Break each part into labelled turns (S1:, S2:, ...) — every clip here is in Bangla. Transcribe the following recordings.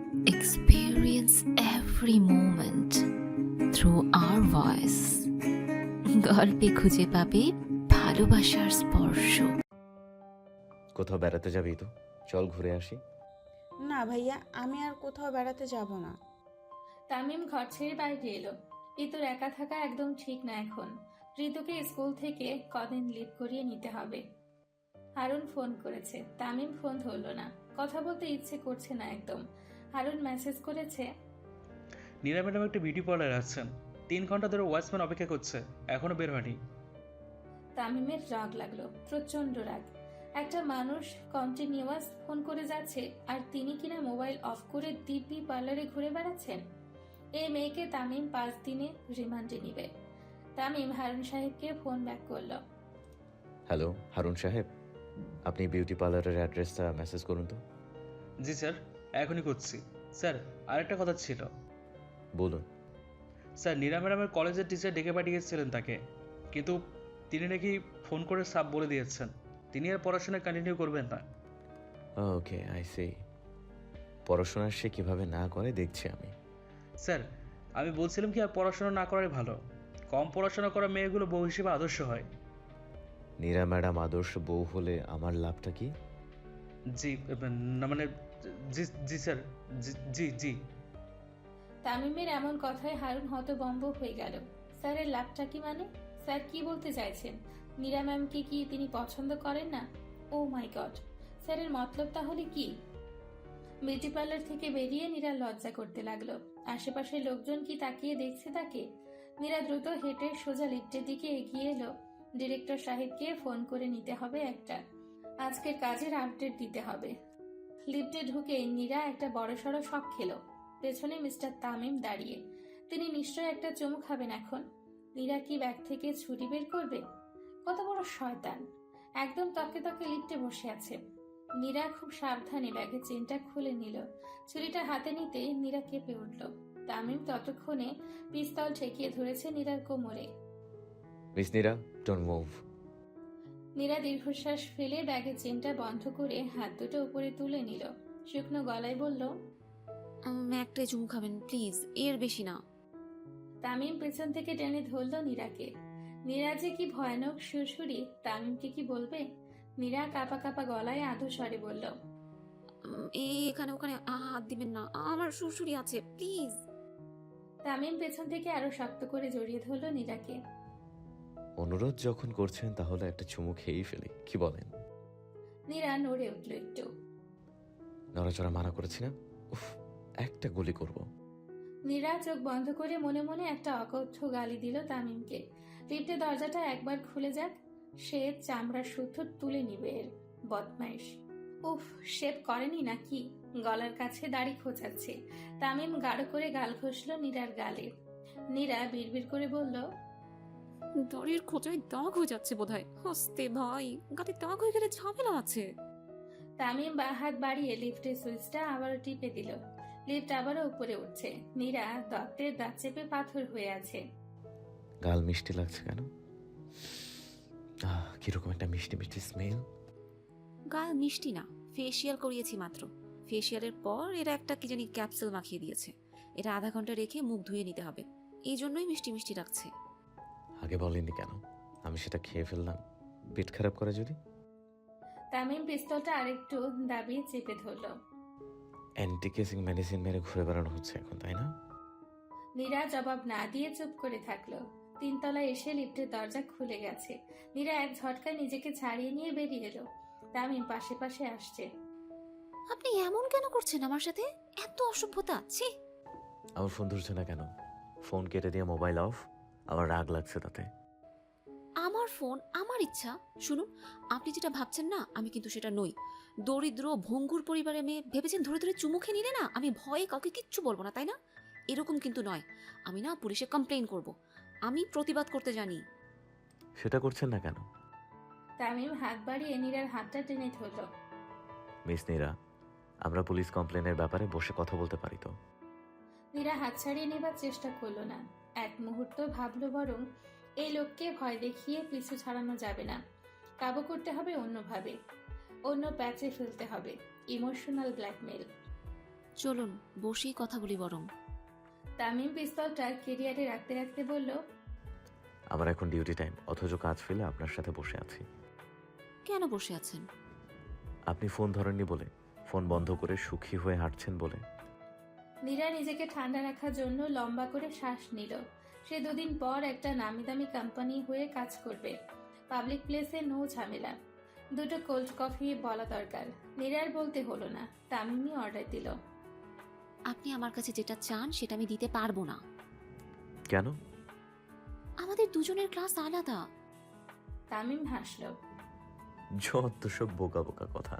S1: experience every moment through our voice. গল্পে খুঁজে পাবে ভালোবাসার স্পর্শ।
S2: কোথাও বেড়াতে যাবি তো? চল ঘুরে আসি।
S3: না ভাইয়া, আমি আর কোথাও বেড়াতে যাব না।
S4: তামিম ঘর ছেড়ে বাইরে এলো। ঋতুর একা থাকা একদম ঠিক না এখন। ঋতুকে স্কুল থেকে কদিন লিভ করিয়ে নিতে হবে। হারুন ফোন করেছে, তামিম ফোন ধরলো না। কথা বলতে ইচ্ছে করছে না একদম। হারুন মেসেজ করেছে,
S5: নীরা ম্যাডাম একটা বিউটি পার্লার আছেন, 3 ঘন্টা ধরে ওয়াচম্যান অপেক্ষা করছে, এখনো বের হয়নি।
S4: তামিমের রাগ লাগলো, প্রচন্ড রাগ। একটা মানুষ কন্টিনিউয়াস ফোন করে যাচ্ছে আর তিনি কিনা মোবাইল অফ করে দিব্যি পার্লারে ঘুরে বেড়াচ্ছেন। এই মেয়েকে তামিম 5 দিনে রিমান্ডে নিবে। তামিম হারুন সাহেবকে ফোন ব্যাক করলো।
S2: হ্যালো হারুন সাহেব, আপনি বিউটি পার্লারের অ্যাড্রেসটা মেসেজ করুন তো।
S5: জি স্যার, এখনই করছি। স্যার, আরেকটা কথা ছিল।
S2: বলুন।
S5: স্যার, নীরা ম্যাডামের কলেজের টিচার ডেকে পাঠিয়েছিলেন তাকে, কিন্তু তিনি নাকি ফোন করে সাব বলে দিয়েছেন তিনি আর পড়াশোনা কন্টিনিউ করবেন না।
S2: Okay, I see. পড়াশোনা সে কিভাবে না করে দেখছি আমি।
S5: স্যার, আমি বলছিলাম কি আর পড়াশোনা না করাই ভালো। কম পড়াশোনা করা মেয়েগুলো বউ হিসেবে আদর্শ হয়।
S2: নীরা ম্যাডাম আদর্শ বউ হলে আমার লাভটা কি?
S5: জি না মানে, জি জি স্যার, জি জি জি।
S4: তামিমের এমন কথায় হারুন হতভম্ব হয়ে গেল। স্যারের লাভটা কি মানে? স্যার কি বলতে চাইছেন? নীরা ম্যামকে কি তিনি পছন্দ করেন না? ও মাই গড, স্যারের মতলব তাহলে কি? বিউটি পার্লার থেকে বেরিয়ে নীরা লজ্জা করতে লাগলো। আশেপাশের লোকজন কি তাকিয়ে দেখছে তাকে? নীরা দ্রুত হেঁটে সোজা লিফটের দিকে এগিয়ে এলো। ডিরেক্টর সাহেবকে ফোন করে নিতে হবে একটা। আজকের কাজের আপডেট দিতে হবে। লিফটে ঢুকে নীরা একটা বড়সড় শক খেলো। পেছনে মিস্টার তামিম দাঁড়িয়ে। তিনি নিশ্চয় একটা চুমু খাবেন এখন। নীরা কি ব্যাগ থেকে ছুরি বের করবে? কত বড় শয়তান! একদম তকে তকে লিফটে বসে আছে। নীরা খুব সাবধানে ব্যাগের চেনটা খুলে নিল। ছুরিটা হাতে নিতে নীরা কেঁপে উঠল। তামিম ততক্ষণে পিস্তল ঠেকিয়ে ধরেছে নীরার কোমরে।
S2: Miss Nira, don't move.
S4: Nira দীর্ঘশ্বাস ফেলে ব্যাগের চেনটা বন্ধ করে হাত দুটো উপরে তুলে নিল। শুকনো গলায় বলল,
S1: একটাই চুমু খাবেন প্লিজ, এর বেশি না।
S4: তামিম পেছন থেকে টেনে ধরল নীরাকে। নীরা যে কি ভয়ানক সুরসুরি, তামিমকে কি বলবে? নীরা কাপা কাপা গলায় আধো স্বরে বলল,
S1: এখানে ওখানে হাত দিবেন না, আমার শ্বশুরি আছে প্লিজ।
S4: তামিম পেছন থেকে আরো শক্ত করে জড়িয়ে ধরল নীরাকে।
S2: অনুরোধ যখন করছেন তাহলে একটা চুমু খেয়েই ফেলি, কি বলেন?
S4: নীরা নড়ে উঠল একটু।
S2: নড়াচড়া মানা করেছি না? উফ, একটা গুলি করব।
S4: নীরা চোখ বন্ধ করে মনে মনে একটা অকথ্য গালি দিল তামিমকে। লিফটের দরজাটা একবার খুলে যাক, সে চামড়ার সুতো তুলে নিবে এর বদমাইশ। উফ, শেভ করেনি নাকি? গলার কাছে দাড়ি খোঁচাচ্ছে। তামিম গাঢ় করে গাল ঘষল নীরার গালে। নীরা বিড়বিড় করে বলল,
S1: দাড়ির খোঁচায় দাগ হয়ে যাচ্ছে বোধহয়। হস্তে ভাই, গাতে দাগ হয়ে গেলে ঝামেলা আছে।
S4: তামিম হাত বাড়িয়ে লিফটের সুইচটা আবারও টিপে দিল। লিফট আবারও উপরে উঠছে। নীরা দত্তের দাঁত চেপে পাথর হয়ে আছে।
S2: গাল মিষ্টি লাগছে কেন? কিরকম একটা মিষ্টি মিষ্টি স্মেল।
S1: গাল মিষ্টি না, ফেসিয়াল করিয়েছি মাত্র। ফেসিয়ালের পর এরা একটা কি জানি ক্যাপসুল মাখিয়ে দিয়েছে। এটা আধা ঘন্টা রেখে মুখ ধুয়ে নিতে হবে, এই জন্যই মিষ্টি মিষ্টি লাগছে।
S2: আগে বলেননি কেন? আমি সেটা খেয়ে ফেললাম, পেট খারাপ করে যদি।
S4: তামিম পিস্তলটা আরেকটু দাবিয়ে চেপে ধরল।
S2: অ্যান্টি কেসিং মেডিসিন মেরে ঘুরে বেড়ানো হচ্ছে এখন, তাই না?
S4: নীরা জবাব না দিয়ে চুপ করে থাকলো। 3 তলায় এসে লিফটের দরজা খুলে গেছে। নীরা এক ঝটকায় নিজেকে ছাড়িয়ে নিয়ে বেরিয়ে এলো। তামিম পাশে পাশে আসছে।
S1: আপনি এমন কেন করছেন আমার সাথে? এত অসভ্যতা, ছি।
S2: আমার ফোন ধরছে না কেন? ফোন কেটে দিয়ে মোবাইল অফ। আমার রাগ লাগছে তাতে।
S1: আমার ফোন, আমার ইচ্ছা। শুনুন, আপনি যেটা ভাবছেন না, আমি কিন্তু সেটা নই। দরিদ্র ভঙ্গুর পরিবারের মেয়ে ভেবেছেন ধরে ধরে চুমু খেয়ে নিলে না আমি ভয়ে কাউকে কিচ্ছু বলবো না, তাই না? এরকম কিন্তু নয়। আমি না পুলিশে কমপ্লেইন করব। আমি প্রতিবাদ করতে জানি।
S2: সেটা করছেন না কেন?
S4: তামিম হাত বাড়িয়ে নীরার হাতটা টেনে ধরল।
S2: মিস নীরা, আমরা পুলিশ কমপ্লেনের ব্যাপারে বসে কথা বলতে পারি তো?
S4: নীরা হাত ছাড়িয়ে নেবার চেষ্টা করলো না। এক মুহূর্ত ভাবলো বরং এই লোককে ভয় দেখিয়ে পিছু ছাড়ানো যাবে না। কাবু করতে হবে অন্যভাবে, অন্য প্যাচে ফেলতে হবে। Emotional blackmail.
S1: চলুন বসেই কথা বলি বরং।
S4: তামিম পিস্তলটা কেরিয়ারে রাখতে রাখতে বলল,
S2: আমার এখন ডিউটি টাইম, অথচ কাজ ফেলে আপনার সাথে বসে আছি।
S1: কেন বসে আছেন?
S2: আপনি ফোন ধরেননি বলে, ফোন বন্ধ করে সুখী হয়ে হাঁটছেন বলে।
S4: নীরা নিজেকে ঠান্ডা রাখার জন্য লম্বা করে শ্বাস নিল। সে 2 দিন পর একটা নামি দামি কোম্পানি হয়ে কাজ করবে। পাবলিক প্লেসে নো ঝামেলা। 2টো কোল্ড কফি বলা দরকার। নীরার বলতে হলো না, তামিমই অর্ডার দিল।
S1: আপনি আমার কাছে যেটা চান সেটা আমি দিতে পারবো না।
S2: কেন?
S1: আমাদের দুজনের ক্লাস আলাদা।
S4: তামিম হাসল।
S2: যত সব বোকা বোকা কথা।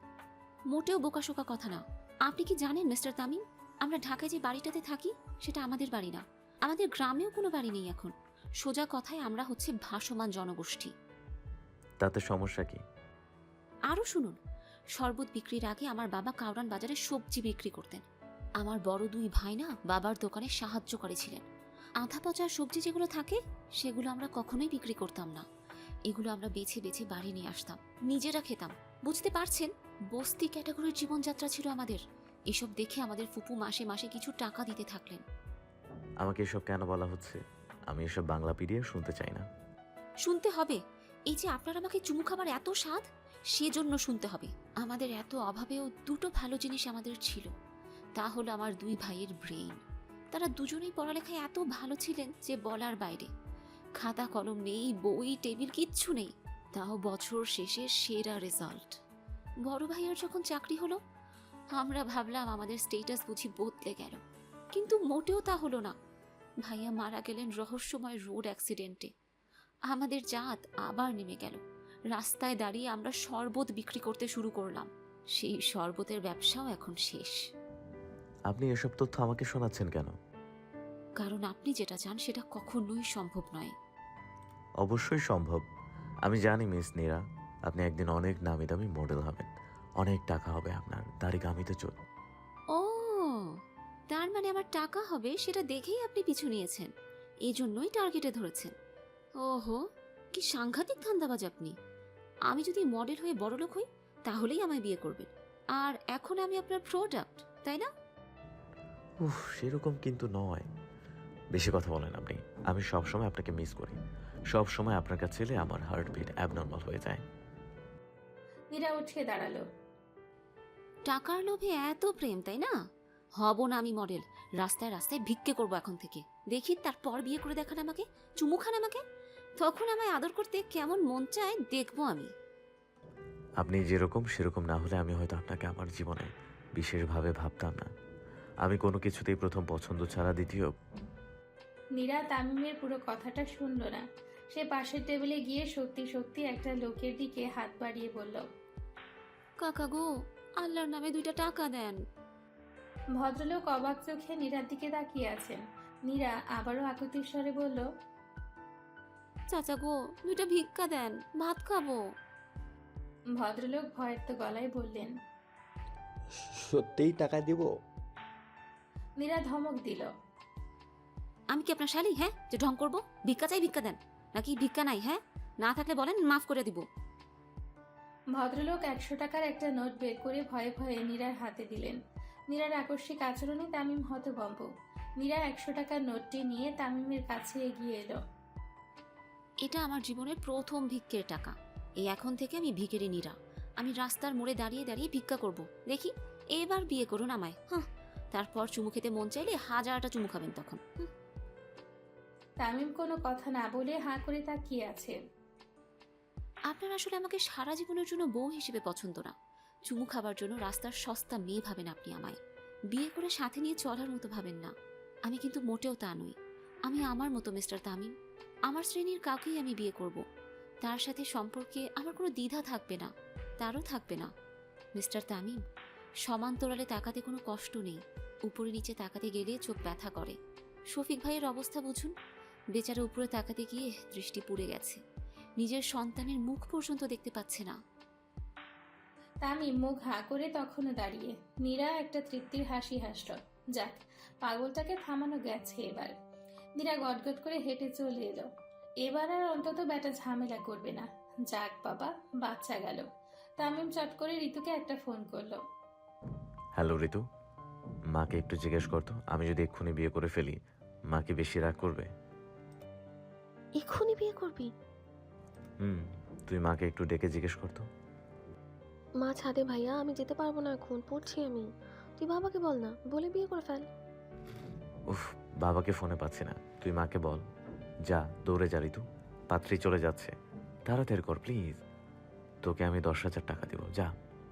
S1: মোটেও বোকাশোকা কথা না। আপনি কি জানেন মিস্টার তামিম, আমরা ঢাকায় যে বাড়িটাতে থাকি সেটা আমাদের বাড়ি না। আমাদের গ্রামেও কোনো বাড়ি নেই এখন। সোজা কথায় আমরা হচ্ছে ভাসমান জনগোষ্ঠী।
S2: তাতে সমস্যা কি?
S1: আরও শুনুন, শরবত বিক্রির আগে আমার বাবা কাউরান বাজারে সবজি বিক্রি করতেন। আমার বড় 2 ভাই না বাবার দোকানে সাহায্য করেছিলেন। আধা পচা সবজি যেগুলো থাকে সেগুলো আমরা কখনোই বিক্রি করতাম না। এগুলো আমরা বেছে বেছে বাড়ি নিয়ে আসতাম, নিজেরা খেতাম। বুঝতে পারছেন, বস্তি ক্যাটাগরির জীবনযাত্রা ছিল আমাদের। এসব দেখে আমাদের ফুপু মাসে মাসে কিছু টাকা দিতে থাকলেন।
S2: আমাকে এসব কেন বলা হচ্ছে? আমি এসব বাংলা পিডিয়া শুনতে চাই না।
S1: শুনতে হবে। এই যে আপনার আমাকে চুমু খাবার এত স্বাদ, সেজন্য শুনতে হবে। আমাদের এত অভাবেও 2টো ভালো জিনিস আমাদের ছিল। তা হলো আমার 2 ভাইয়ের ব্রেইন। তারা দুজনেই পড়ালেখায় এত ভালো ছিলেন যে বলার বাইরে। খাতা কলম নেই, বই টেবিল কিচ্ছু নেই, তাও বছর শেষে সেরা রেজাল্ট। বড় ভাইয়ের যখন চাকরি হলো, আমরা ভাবলাম আমাদের স্টেটাস বুঝি বদলে গেল, কিন্তু মোটেও তা হলো না। ভাইয়া মারা গেলেন রহস্যময় রোড অ্যাক্সিডেন্টে। আমাদের জাত আবার নেমে গেল। রাস্তায় দাঁড়িয়ে আমরা শরবত বিক্রি করতে শুরু করলাম। সেই শরবতের ব্যবসাও এখন শেষ।
S2: আপনি এসব তথ্য আমাকে শোনাচ্ছেন কেন?
S1: কারণ আপনি যেটা চান সেটা কখনোই সম্ভব নয়।
S2: অবশ্যই সম্ভব। আমি জানি মিস নীরা, আপনি একদিন অনেক নামি দামি মডেল হবেন, অনেক টাকা হবে আপনার, দাড়ি কামিতে চল।
S1: ও, তার মানে আমার টাকা হবে সেটা দেখেই আপনি পিছু নিয়েছেন, এই জন্যই টার্গেটে ধরেছেন। ওহো, কি সাংঘাতিক ধান্দাবাজ আপনি। আমি যদি মডেল হয়ে বড়লোক হই তাহলেই আমায় বিয়ে করবেন, আর এখন আমি আপনার প্রোডাক্ট, তাই না?
S2: উফ, সেরকম কিন্তু নয়। বেশি কথা বলেন আপনি। আমি সবসময় আপনাকে মিস করি। সব সময় আপনার কাছে এলে আমার হার্টবিট অ্যাবনর্মাল হয়ে যায়।
S4: নীরা উঠে দাঁড়ালো।
S1: টাকার লোভে এত প্রেম, তাই না? হব না আমি মডেল, রাস্তায় রাস্তায় ভিক্ষে করবো এখন থেকে। দেখি তারপর বিয়ে করে দেখান আমাকে, চুমু খান আমাকে, তখন আমায় আদর করতে কেমন মন চায় দেখবো আমি।
S2: আপনি যেরকম সেরকম না হলে আমি হয়তো আপনাকে আমার জীবনে বিশেষভাবে ভাবতাম না। আমি কোনো কিছুতেই প্রথম পছন্দ ছাড়া দ্বিতীয়।
S4: নীরা তামিমের পুরো কথাটা শুনল না। সে পাশের টেবিলে গিয়ে সত্যি সত্যি একটা লোকের দিকে হাত বাড়িয়ে বলল,
S1: কাকা গো, আল্লাহর নামে 2টা টাকা দেন।
S4: ভদ্রলোক অবাক চোখে নীরার দিকে তাকিয়ে আছেন। নীরা আবারও আকুতির স্বরে বলল,
S1: চাচা গো, 2টা ভিক্ষা দেন, ভাত খাবো।
S4: ভদ্রলোক ভয়ের তো গলায় বললেন।
S6: সত্যিই টাকা দিব?
S4: নীরা ধমক দিল,
S1: আমি কি আপনার শালি, হ্যাঁ, যে ঢং করবো? ভিক্ষা চাই, ভিক্ষা দেন। নাকি ভিক্ষা নাই? হ্যাঁ, না থাকলে বলেন, মাফ করে দিব।
S4: ভদ্রলোক 100 টাকার একটা নোট বের করে ভয়ে ভয়ে নীরার হাতে দিলেন। নীরার আকস্মিক আচরণে তামিম হতভম্ব। নীরা 100 টাকার নোটটি নিয়ে তামিমের কাছে এগিয়ে এলো।
S1: এটা আমার জীবনের প্রথম ভিক্ষের টাকা। এই এখন থেকে আমি ভিখারি নীরা। আমি রাস্তার মোড়ে দাঁড়িয়ে দাঁড়িয়ে ভিক্ষা করব। দেখি এবার বিয়ে করুন আমায়। হ্যাঁ, তারপর চুমু খেতে মন চাইলে 1000টা চুমু খাবেন তখন।
S4: তামিম কোনো কথা না বলে হাঁ করে তাকিয়ে আছে।
S1: আপনার আসলে আমাকে সারা জীবনের জন্য বউ হিসেবে পছন্দ না। চুমু খাবার জন্য রাস্তার সস্তা মেয়ে ভাবেন আপনি আমায়। বিয়ে করে সাথে নিয়ে চলার মতো ভাবেন না। আমি কিন্তু মোটেও তা নই। আমি আমার মতো মিস্টার তামিম। আমার শ্রেণীর কাউকেই আমি বিয়ে করব। তার সাথে সম্পর্কে আমার কোনো দ্বিধা থাকবে না, তারও থাকবে না। মিস্টার তামিম, সমান্তরালে তাকাতে কোনো কষ্ট নেই, উপরে নিচে তাকাতে গেলে চোখ ব্যথা করে। শফিক ভাইয়ের অবস্থা বুঝুন, বেচারা উপরে তাকাতে গিয়ে দৃষ্টি পুড়ে গেছে, নিজের সন্তানের মুখ পর্যন্ত দেখতে পাচ্ছে না।
S4: তামিম মুখ হাঁ করে তখনও দাঁড়িয়ে। নীরা একটা তৃপ্তির হাসি হাসল। যাক, পাগলটাকে থামানো গেছে এবার। নীরা গটগট করে হেঁটে চলে এলো। এবার আর অন্তত ব্যাটা ঝামেলা করবে না। যাক বাবা, বাচ্চা গেল। তামিম চট করে ঋতুকে একটা ফোন করলো।
S2: হ্যালো ঋতু, মাকে একটু জিজ্ঞেস করতো, আমি যদি এক্ষুনি বিয়ে করে ফেলি মা কি বেশি রাগ করবে?
S7: এক্ষুনি বিয়ে করবি?
S2: তুই মাকে একটু ডেকে জিজ্ঞেস করতো।
S7: মা ছাদে ভাইয়া, আমি যেতে পারবো না, এখন পড়ছি আমি। তুই বাবাকে বল না, বলে বিয়ে করে ফেল।
S2: উফ, বাবাকে ফোনে পাচ্ছি না, তুই মাকে বল। যা, দৌড়ে যা ঋতু, পাত্রী চলে যাচ্ছে, তাড়াতাড়ি কর প্লিজ। তোকে আমি 10,000 টাকা দিব, যা।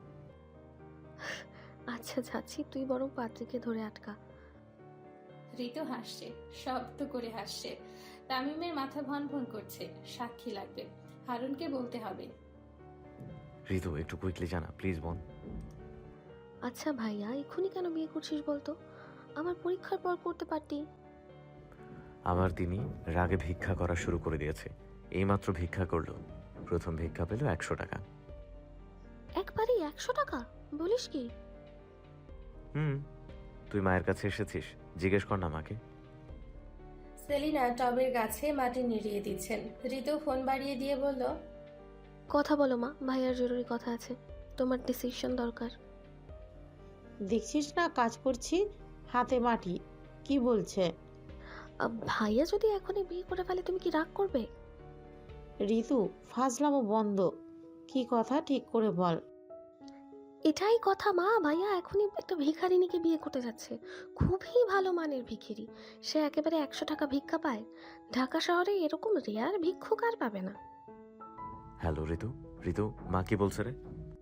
S7: আচ্ছা যাচ্ছি, তুই বরং পাত্রীকে ধরে আটকা।
S4: ঋতু হাসছে, শব্দ করে হাসছে। তামিমের মাথা ভন ভন করছে। সাক্ষী লাগবে, হারুনকে বলতে হবে।
S2: ঋতু একটু কুইকলি জানা প্লিজ বোন।
S7: আচ্ছা ভাইয়া, এক্ষুনি কেন বিয়ে করছিস বলতো? আমার পরীক্ষার পর করতে পারতি।
S2: আবার তিনি রাগে ভিক্ষা করা শুরু করে দিয়েছে। এইমাত্র ভিক্ষা করলো, প্রথম ভিক্ষা পেল 100 টাকা।
S7: একবারই 100 টাকা? বলিস কি?
S2: তুই মায়ের কাছে এসেছিস, জিজ্ঞেস কর না মাকে।
S4: সেলিনা টবের গাছে মাটি নিড়িয়ে দিচ্ছেন। ঋতু ফোন বাড়িয়ে দিয়ে বলল,
S7: কথা বলো মা, ভাইয়ার জরুরি কথা আছে, তোমার ডিসিশন দরকার।
S3: দেখছিস না কাজ করছি, হাতে মাটি। কি বলছে?
S7: ভাইয়া যদি এখনই বিয়ে করে ফেলে তুমি কি রাগ করবে?
S3: ঋতু, ফাজলামো বন্ধ। কি কথা ঠিক করে বল।
S7: এটাই কথা মা, ভাইয়া এখনই একটা ভিখারিনীকে বিয়ে করতে যাচ্ছে। খুবই ভালো মানের ভিখিরি, সে একেবারে 100 টাকা ভিক্ষা পায়। ঢাকা শহরে এরকম রেয়ার ভিক্ষুক আর পাবে না।
S2: হ্যালো ঋতু, ঋতু মা কি বলছে রে?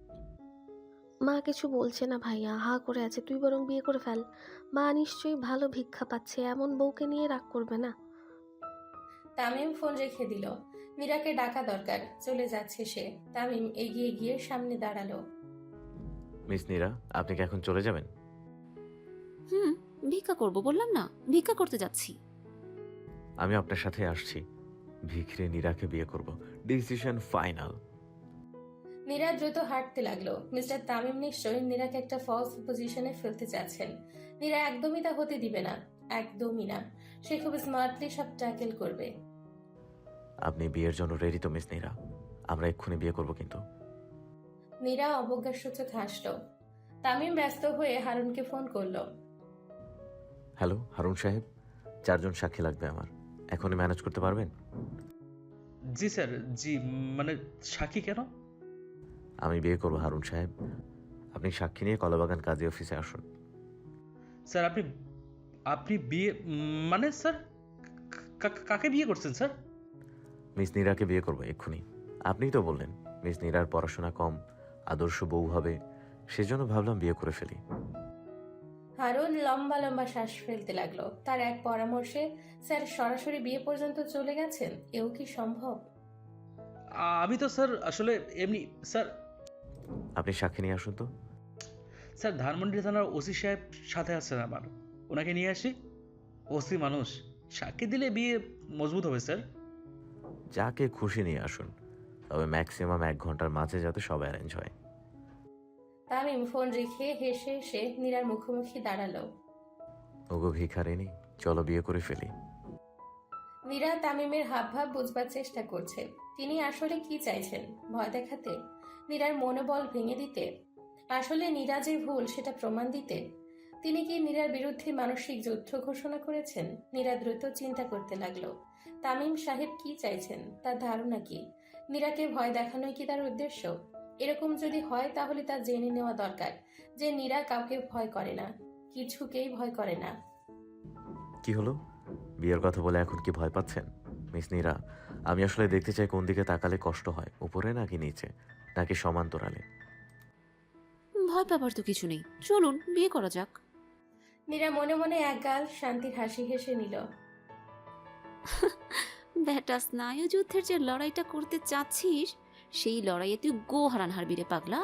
S7: মা কিছু বলছে না ভাইয়া, হা করে আছে, তুই বরং বিয়ে করে ফেল। মা নিশ্চয়ই ভালো ভিক্ষা পাচ্ছে, এমন বউকে নিয়ে রাগ করবে না।
S4: তামিম ফোন রেখে দিল। মীরাকে ডাকা দরকার, চলে যাচ্ছে সে। তামিম এগিয়ে গিয়ে সামনে দাঁড়ালো।
S2: মিস নীরা, আপনি কি এখন চলে যাবেন?
S1: ভিক্ষা করব বললাম না, ভিক্ষা করতে যাচ্ছি।
S2: আমি আপনার সাথে আসছি, ভিখিরি নীরাকে বিয়ে করব, ডিসিশন ফাইনাল।
S4: নীরা দ্রুত হাঁটতে লাগলো। মিস্টার তামিম নিশ্চয়ই নীরাকে একটা ফলস পজিশনে ফেলতে চাচ্ছেন। নীরা একদমই তা হতে দিবে না, একদমই না। সে খুব স্মার্টলি সব ট্যাকেল করবে।
S2: আপনি বিয়ের জন্য রেডি তো মিস নীরা? আমরা এক্ষুনি বিয়ে করব কিন্তু।
S4: নীরা অবজ্ঞাসূচক হাসল। তামিম ব্যস্ত হয়ে হারুনকে ফোন করলো।
S2: হ্যালো হারুন সাহেব, 4 জন সাক্ষী লাগবে আমার, এখনই ম্যানেজ করতে পারবেন?
S5: জি স্যার, জি। মানে সাক্ষী কেন?
S2: আমি বিয়ে করবো হারুন সাহেব, আপনি সাক্ষী নিয়ে কলাবাগান কাজী অফিসে আসুন।
S5: স্যার আপনি আপনি বিয়ে মানে স্যার কাকে বিয়ে করছেন স্যার?
S2: মিস নীরাকে বিয়ে করবো এক্ষুনি। আপনিই তো বললেন মিস নীরার পড়াশোনা কম, আদর্শ বউ হবে, সেজন্য ভাবলাম বিয়ে করে ফেলি।
S4: হারুন লম্বা লম্বা শ্বাস ফেলতে লাগলো। তার এক পরামর্শে স্যার সরাসরি বিয়ে পর্যন্ত চলে গেছেন, এও কি সম্ভব?
S5: আমি তো স্যার আসলে এমনি স্যার।
S2: আপনি সাক্ষী নিয়ে আসুন তো।
S5: স্যার ধানমন্ডি থানার ওসি সাহেব সাথে আছেন আমার, ওনাকে নিয়ে আসি। ওসি মানুষ, সাক্ষী দিলে বিয়ে মজবুত হবে স্যার।
S2: যাকে খুশি নিয়ে আসুন, তবে ম্যাক্সিমাম 1 ঘন্টার মাঝে যাতে সব অ্যারেঞ্জ হয়।
S4: তামিম ফোন রেখে হেসে হেসে নীরার মুখোমুখি দাঁড়ালো।
S2: ওগো ভিখারিনী, চলো বিয়ে করে ফেলি।
S4: নীরা তামিমের হাবভাব বুঝবার চেষ্টা করছে। তিনি আসলে কি চাইছেন? ভয় দেখাতে? নীরার মনোবল ভেঙে দিতে? আসলে নীরা যে ভুল সেটা প্রমাণ দিতে? তিনি কি নীরার বিরুদ্ধে মানসিক যুদ্ধ ঘোষণা করেছেন? নীরা দ্রুত চিন্তা করতে লাগলো, তামিম সাহেব কি চাইছেন, তার ধারণা কি? নীরাকে ভয় দেখানোই কি তার উদ্দেশ্য? এরকম যদি হয় তাহলে তা জেনে নেওয়া দরকার যে নীরা কাউকে ভয় করে না, কিছুকেই ভয় করে না।
S2: কি হলো, বিয়ের কথা বলে এখন কি ভয় পাচ্ছেন? মিস নীরা, আমি আসলে দেখতে চাই কোন দিকে তাকালে কষ্ট হয়, উপরে নাকি নিচে, নাকি সমান্তরালে।
S1: ভয় পাবার তো কিছু নেই, চলুন বিয়ে করা যাক।
S4: নীরা মনে মনে একগাল শান্তির হাসি হেসে নিল।
S1: ব্যাটা স্নায়ু যুদ্ধের যে লড়াইটা করতে চাচ্ছিস, সেই লড়াইয়ে তুই গো হারান হারবি রে পাগলা।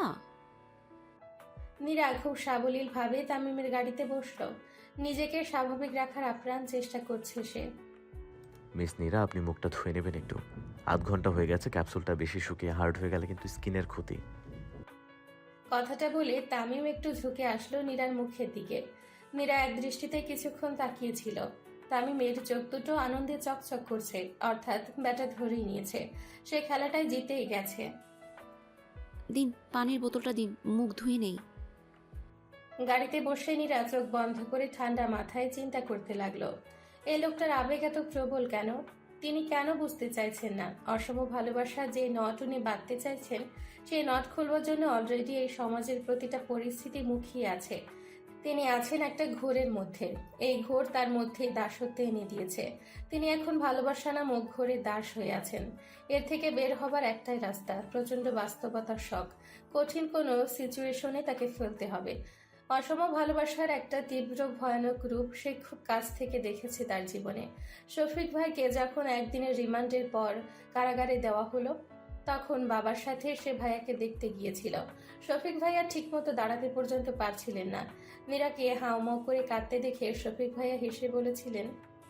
S4: নীরা খুব সাবলীল ভাবে তামিমের গাড়িতে বসলো। নিজেকে স্বাভাবিক রাখার আপ্রাণ চেষ্টা করছে সে।
S2: মিস নীরা, আপনি মুখটা ধুয়ে নেবেন একটু, 8 ঘন্টা হয়ে গেছে, ক্যাপসুলটা বেশি শুকিয়ে হার্ড হয়ে গেলে কিন্তু স্কিনের ক্ষতি।
S4: কথাটা বলে তামিম একটু ঝুঁকে আসলো নীরার মুখের দিকে। নীরা এক দৃষ্টিতে কিছুক্ষণ তাকিয়েছিল। তামিমের চোখ দুটো আনন্দে চকচক করছে, অর্থাৎ ব্যাটা ধরেই নিয়েছে, সে খেলাটায় জিতেই গেছে।
S1: দিন পানির বোতলটা দিন, মুখ ধুয়ে নেই।
S4: গাড়িতে বসে নীরা চোখ বন্ধ করে ঠান্ডা মাথায় চিন্তা করতে লাগলো, এই লোকটার আবেগ এত প্রবল কেন? তিনি কেন বুঝতে চাইছেন না অসম ভালোবাসা যে নট উনি বাঁধতে চাইছেন, সেই নট খুলবার জন্য অলরেডি এই সমাজের প্রতিটা পরিস্থিতি মুখিয়ে আছে। তিনি আছেন একটা ঘোরের মধ্যে, এই ঘোর তার মধ্যেই দাসত্ব এনে দিয়েছে। তিনি এখন ভালোবাসা নামক ঘোরে দাস হয়ে আছেন। এর থেকে বের হবার একটাই রাস্তা, প্রচণ্ড বাস্তবতার শখ। কঠিন কোনো সিচুয়েশনে তাকে ফেলতে হবে। অসম ভালোবাসার একটা তীব্র ভয়ানক রূপ সে খুব কাছ থেকে দেখেছে তার জীবনে। শফিক ভাইকে যখন একদিনের রিমান্ডের পর কারাগারে দেওয়া হলো, তখন বাবার সাথে সে ভাইয়াকে দেখতে গিয়েছিল। শফিক ভাইয়া ঠিকমতো দাঁড়াতে পর্যন্ত পারছিলেন না। মীরাকে হাউমাউ করে কাঁদতে দেখে শফিক ভাইয়া হেসে বলেছিলেন,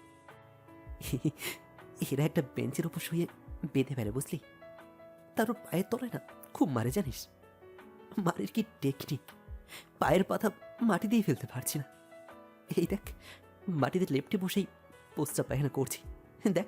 S8: এরা একটা বেঞ্চের উপর শুয়ে বেঁধে ফেলে, বুঝলি? তার পায়ের তলায় না খুব মারে, জানিস? মারের কি টেকনিক! পায়ের পাতা মাটি দিয়ে ফেলতে পারছি না। এই দেখ, মাটিতে লেপ্টে বসেই পোস্টটা পায়খানা করছি, দেখ।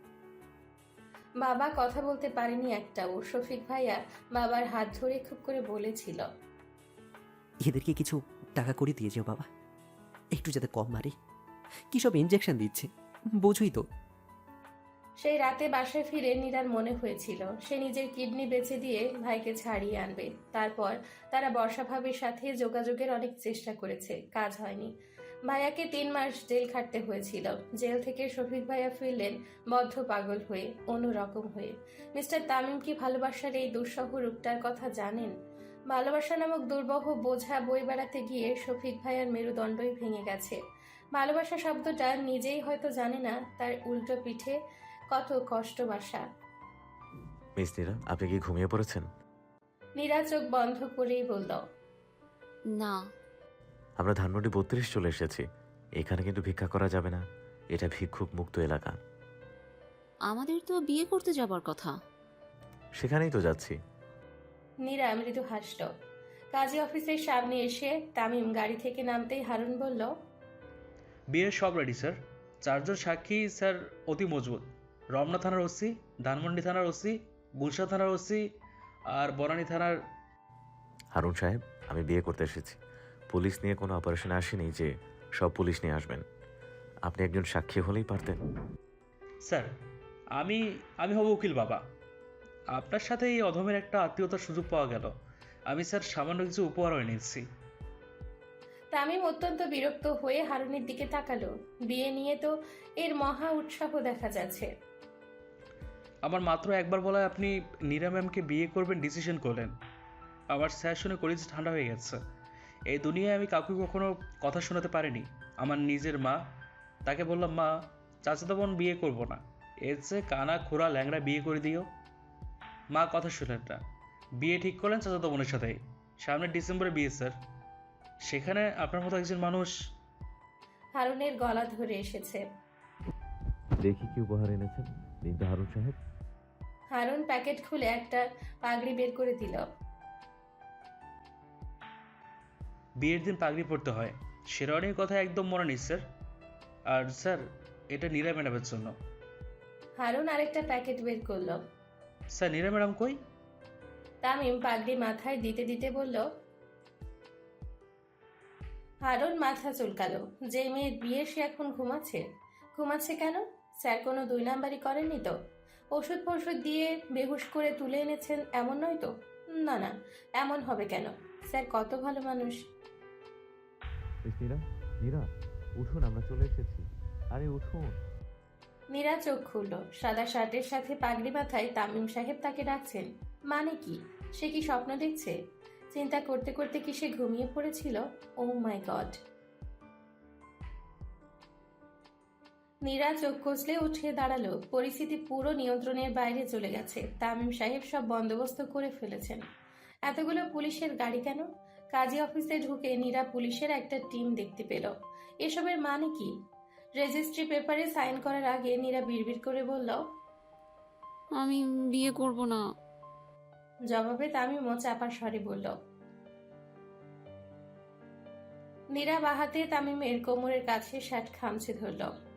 S4: বাবা কথা বলতে পারেনি একটাও। শফিক ভাইয়া বাবার হাত ধরে খুব করে বলেছিল,
S8: এদেরকে কিছু টাকা করে দিয়ে যাও বাবা, একটু যাতে কম মারে। কি সব ইঞ্জেকশন দিচ্ছে, বোঝুই তো।
S4: সেই রাতে বাসায় ফিরে নীরার মনে হয়েছিল সে নিজের কিডনি বেচে দিয়ে ভাইকে ছাড়িয়ে আনবে। তারপর তারা বর্ষা ভাবির সাথে যোগাযোগের অনেক চেষ্টা করেছে, কাজ হয়নি। ভাইয়াকে 3 মাস জেল খাটতে হয়েছিল। জেল থেকে শফিক ভাইয়া ফিরলেন বদ্ধ পাগল হয়ে, অন্যরকম হয়ে। মিস্টার তামিম কি ভালোবাসার এই দুঃসহ রূপটার কথা জানেন? ভালোবাসা নামক দুর্বহ বোঝা বই বেড়াতে গিয়ে শফিক ভাইয়ার মেরুদণ্ডই ভেঙে গেছে। ভালোবাসা শব্দটা নিজেই হয়তো জানে না তার উল্টো পিঠে কত কষ্ট বাসা।
S2: মিস নীরা, আপনি কি ঘুমিয়ে পড়েছেন?
S4: নীরা চোখ বন্ধ করেই বলল,
S1: না,
S2: আমরা ধানমন্ডি 32 চলে এসেছি। এখানে কিন্তু ভিক্ষা করা যাবে না, এটা ভিক্ষুক মুক্ত এলাকা।
S1: আমাদের তো বিয়ে করতে যাবার কথা।
S2: সেখানেই তো যাচ্ছি।
S4: নীরা মৃদু হাসল। কাজী অফিসের সামনে এসে তামিম গাড়ি থেকে নামতেই হারুন বলল,
S5: বিয়ের সব রেডি স্যার। 4 জন সাক্ষী স্যার অতি মজবুত। রমনা থানার ওসি, ধানমন্ডি থানার ওসি, গুলশা থানার ওসি আর বনানী থানার।
S2: হারুন সাহেব, আমি বিয়ে করতে এসেছি। পুলিশ নিয়ে কোনো অপারেশনে আসেনি যে সব পুলিশ নিয়ে আসবেন। আপনি একজন সাক্ষী হলেই পারতেন।
S5: স্যার, আমি আমি হব উকিল বাবা। আপনার সাথে এই অধমের একটা আত্মীয়তার সুযোগ পাওয়া গেল। আমি স্যার সামান্য কিছু উপহারও এনেছি।
S4: তামিম অত্যন্ত বিরক্ত হয়ে হারুনের দিকে তাকালো। বিয়ে নিয়ে তো এর মহা উৎসাহ দেখা যাচ্ছে।
S5: আমার মাত্র একবার বলায় আপনি নীরা ম্যামকে বিয়ে করবেন ডিসিশন করলেন। আমার স্যার শুনে কলেজ ঠান্ডা হয়ে গেছে। এই দুনিয়ায় আমি কাউকে কখনো কথা শোনাতে পারিনি। আমার নিজের মা, তাকে বললাম, মা, চাচাতো বোন বিয়ে করবো না, এর চেয়ে কানা খোড়া ল্যাংড়া বিয়ে করে দিও। মা কথা শুনলেন না, বিয়ে ঠিক করলেন চাচাতো বোনের সাথে। সামনের ডিসেম্বরে বিয়ে স্যার। সেখানে আপনার মতো একজন মানুষ।
S4: হারুনের গলা ধরে এসেছে।
S2: দেখি কি উপহার এনেছেন, দিন তো হারুন সাহেব।
S4: হারুন প্যাকেট খুলে একটা পাগড়ি বের করে দিল।
S5: বিয়ের দিন পাগড়ি পরতে হয়, শেরওয়ানির কথা একদম মনে নেই স্যার। আর স্যার, এটা নীরা ম্যাডামের জন্য।
S4: হারুন আরেকটা প্যাকেট বের করলো।
S5: স্যার, নীরা ম্যাডাম কই?
S4: তামিম পাগড়ি মাথায় দিতে দিতে বলল। হারুন মাথা চুলকালো। যে মেয়ের বিয়ে সে এখন ঘুমাচ্ছে। ঘুমাচ্ছে কেন? স্যার কোনো 2 নাম্বারই করেননি তো? ওষুধ ফষুধ দিয়ে বেহুশ করে তুলে এনেছেন এমন নয় তো? না না, এমন হবে কেন? স্যার কত ভালো মানুষ।
S2: মিস নীরা, নীরা, উঠুন, আমরা চলে এসেছি। আরে উঠুন।
S4: নীরা চোখ খুলল। সাদা শার্টের সাথে পাগড়ি মাথায় তামিম সাহেব তাকে ডাকছেন। মানে কি? সে কি স্বপ্ন দেখছে? চিন্তা করতে করতে কি সে ঘুমিয়ে পড়েছিল? ও মাই গড! নীরা চোখ কষলে উঠে দাঁড়ালো। পরিস্থিতি পুরো নিয়ন্ত্রণের বাইরে চলে গেছে। তামিম সাহেব সব বন্দোবস্ত করে ফেলেছেন। এতগুলো পুলিশের গাড়ি কেন? কাজী অফিসে ঢুকে নীরা পুলিশের একটা টিম দেখতে পেল। এসবের মানে কি? রেজিস্ট্রি পেপারে সাইন করার আগে নীরা বিড়বিড় করে বলল,
S1: আমি বিয়ে করব না।
S4: জবাবে তামিমও চাপা স্বরে বলল। নীরা বাহাতে তামিমের কোমরের কাছে শার্ট খামচে ধরল।